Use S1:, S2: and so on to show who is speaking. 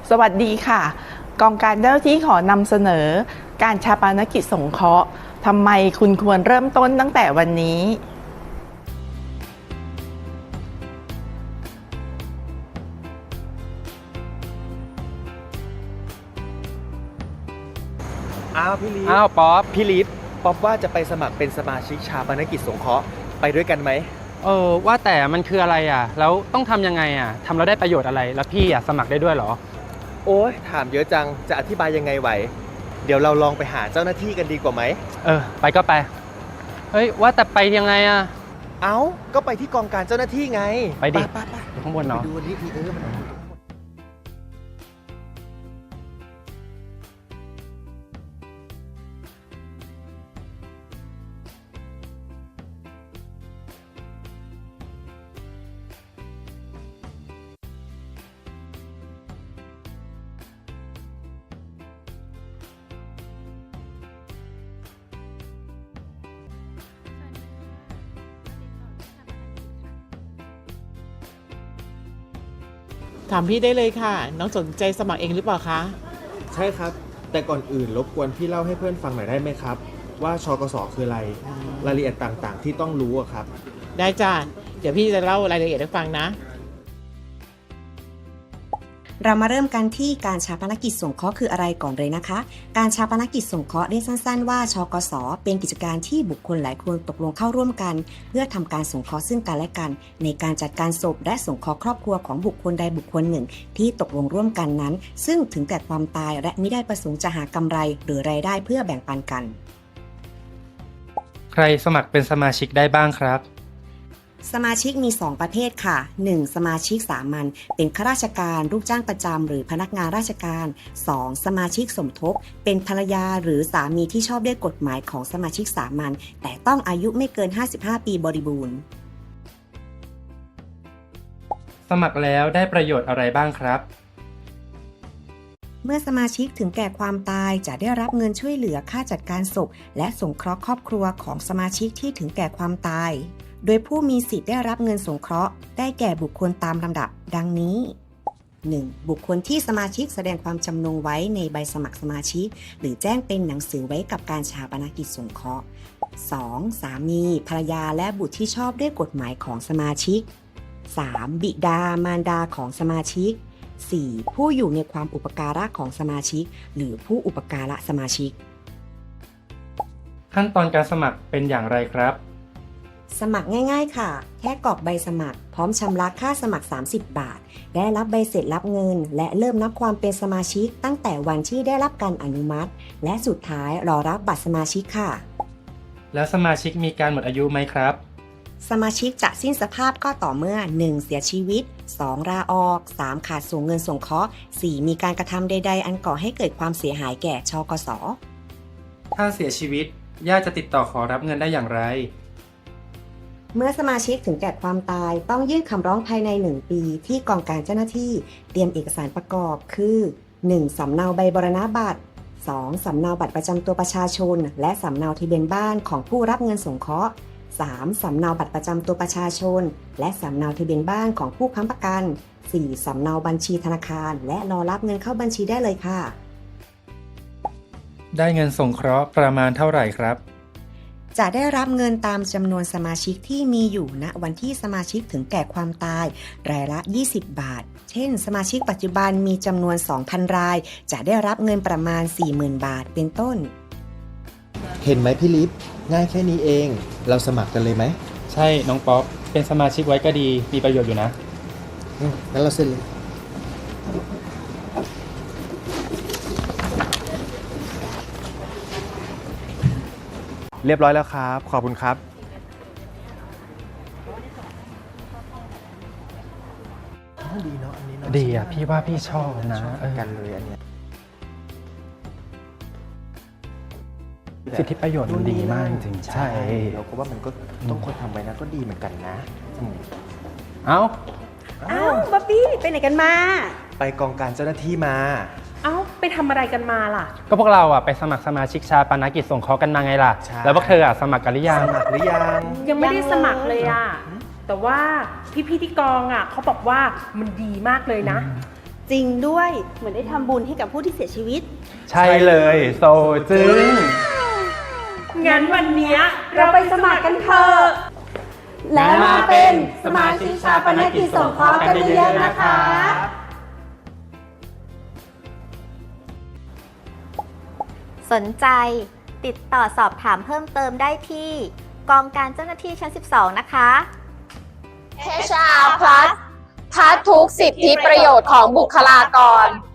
S1: สวัสดีค่ะกองการเจ้าหน้าที่ขอนำเสนอการฌาปนกิจสงเคราะห์ทำไมคุณควรเริ่มต้นตั้งแต่วันนี้
S2: พี่ลีฟ
S3: ป๊อป
S2: พี่ลีฟป๊อปว่าจะไปสมัครเป็นสมาชิกฌาปนกิจสงเคราะห์ไปด้วยกันไหม
S3: ว่าแต่มันคืออะไรอ่ะแล้วต้องทำยังไงอ่ะทำแล้วได้ประโยชน์อะไรแล้วพี่สมัครได้ด้วยเหรอ
S2: โอ้ยถามเยอะจังจะอธิบายยังไงไหวเดี๋ยวเราลองไปหาเจ้าหน้าที่กันดีกว่าไหม
S3: ไปก็ไปเฮ้ยว่าแต่ไปยังไงอ่ะ
S2: ก็ไปที่กองการเจ้าหน้าที่ไง
S3: ไปดิ
S2: ไป
S3: อยู่ข้างบนเนาะ
S2: ดูนี่พี่มัน
S4: ถามพี่ได้เลยค่ะ น้องสนใจสมัครเองหรือเปล่าคะ
S2: ใช่ครับแต่ก่อนอื่นรบกวนพี่เล่าให้เพื่อนฟังหน่อยได้ไหมครับว่าชกสคืออะไรรายละเอียดต่างๆที่ต้องรู้อะครับ
S4: ได้จ้าเดี๋ยวพี่จะเล่ารายละเอียดให้ฟังนะ
S5: เรามาเริ่มกันที่การฌาปนกิจสงเคราะห์คืออะไรก่อนเลยนะคะ การฌาปนกิจสงเคราะห์เรียกสั้นๆว่าชกสเป็นกิจการที่บุคคลหลายคนตกลงเข้าร่วมกันเพื่อทำการสงเคราะห์ซึ่งกันและกันในการจัดการศพและสงเคราะห์ครอบครัวของบุคคลใดบุคคลหนึ่งที่ตกลงร่วมกันนั้นซึ่งถึงแก่ความตายและมิได้ประสงค์จะหากำไรหรือรายได้เพื่อแบ่งปันกัน
S3: ใครสมัครเป็นสมาชิกได้บ้างครับ
S5: สมาชิกมี 2 ประเภทค่ะ 1. สมาชิกสามัญเป็นข้าราชการลูกจ้างประจำหรือพนักงานราชการ 2. สมาชิกสมทบเป็นภรรยาหรือสามีที่ชอบด้วยกฎหมายของสมาชิกสามัญแต่ต้องอายุไม่เกิน 55 ปีบริบูรณ์
S3: สมัครแล้วได้ประโยชน์อะไรบ้างครับ
S5: เมื่อสมาชิกถึงแก่ความตายจะได้รับเงินช่วยเหลือค่าจัดการศพและสงเคราะห์ครอบครัวของสมาชิกที่ถึงแก่ความตายโดยผู้มีสิทธิ์ได้รับเงินสงเคราะห์ได้แก่บุคคลตามลำดับดังนี้ 1. บุคคลที่สมาชิกแสดงความจำนงไว้ในใบสมัครสมาชิกหรือแจ้งเป็นหนังสือไว้กับการฌาปนกิจสงเคราะห์ 2. สามีภรรยาและบุตรที่ชอบด้วยกฎหมายของสมาชิก 3. บิดามารดาของสมาชิก 4. ผู้อยู่ในความอุปการะของสมาชิกหรือผู้อุปการะสมาชิก
S3: ขั้นตอนการสมัครเป็นอย่างไรครับ
S5: สมัครง่ายๆค่ะแค่กรอกใบสมัครพร้อมชำระค่าสมัคร30 บาทได้รับใบเสร็จรับเงินและเริ่มนับความเป็นสมาชิกตั้งแต่วันที่ได้รับการอนุมัติและสุดท้ายรอรับบัตรสมาชิกค่ะ
S3: แล้วสมาชิกมีการหมดอายุไหมครับ
S5: สมาชิกจะสิ้นสภาพก็ต่อเมื่อ 1. เสียชีวิต 2. ลาออก 3. ขาดส่งเงินสงเคราะห์ 4. มีการกระทำใดๆอันก่อให้เกิดความเสียหายแก่ชกส.
S3: ถ้าเสียชีวิตญาติจะติดต่อขอรับเงินได้อย่างไร
S5: เมื่อสมาชิกถึงแก่ความตายต้องยื่นคำร้องภายใน1 ปีที่กองการเจ้าหน้าที่เตรียมเอกสารประกอบคือ 1. สำเนาใบบรณบัตร 2. สำเนาบัตรประจำตัวประชาชนและสำเนาทะเบียนบ้านของผู้รับเงินสงเคราะห์ 3. สำเนาบัตรประจำตัวประชาชนและสำเนาทะเบียนบ้านของผู้ค้ำประกัน 4. สำเนาบัญชีธนาคารและรอรับเงินเข้าบัญชีได้เลยค่ะ
S3: ได้เงินสงเคราะห์ประมาณเท่าไหร่ครับ
S5: จะได้รับเงินตามจำนวนสมาชิกที่มีอยู่ณวันที่สมาชิกถึงแก่ความตายรายละ20 บาทเช่นสมาชิกปัจจุบันมีจำนวน 2,000 รายจะได้รับเงินประมาณ 40,000 บาทเป็นต้น
S2: เห็นไหมพี่ลิฟง่ายแค่นี้เองเราสมัครกันเลยไหม
S3: ใช่น้องป๊อปเป็นสมาชิกไว้ก็ดีมีประโยชน์อยู่นะ
S2: งั้นเราเซ็นเลยเรียบร้อยแล้วครับขอบคุณครับดีเนาะอันนี้เนาะ
S3: ดีอ่ะพี่ว่าพี่ชอบนะ
S2: กันเลยอันนี้
S3: สิทธิประโยชน์มันดีมากจริง
S2: ใช่เราก็ว่ามันก็ต้องคนทำไว้นะก็ดีเหมือนกันนะ
S5: เอ้าบ๊อบบี้ไปไหนกันมา
S2: ไปกองการเจ้าหน้าที่มา
S6: ไปทำอะไรกันมาล่ะ
S3: ก็พวกเราอ่ะไปสมัครสมาชิกฌาปนกิจสงเคราะห์กันมาไงล่ะแล้วพวกเธออ่ะสมัครกันหรือยัง
S6: ยังไม่ได้สมัครเลยอ่ะแต่ว่าพี่ที่กองอ่ะเขาบอกว่ามันดีมากเลยนะ
S7: จริงด้วย เหมือนได้ทำบุญให้กับผู้ที่เสียชีวิต
S3: ใช่เลยโซจึง
S6: งั้นวันเนี้ยเราไปสมัครกันเถอะ
S7: แล้วมาเป็นสมาชิกชาปนกิจสงเคราะห์กันเยอะๆนะคะ
S8: สนใจติดต่อสอบถามเพิ่มเติมได้ที่กองการเจ้าหน้าที่ชั้น 12 นะคะ
S9: HR Plus ทัดทุกสิทธิประโยชน์ของบุคลากร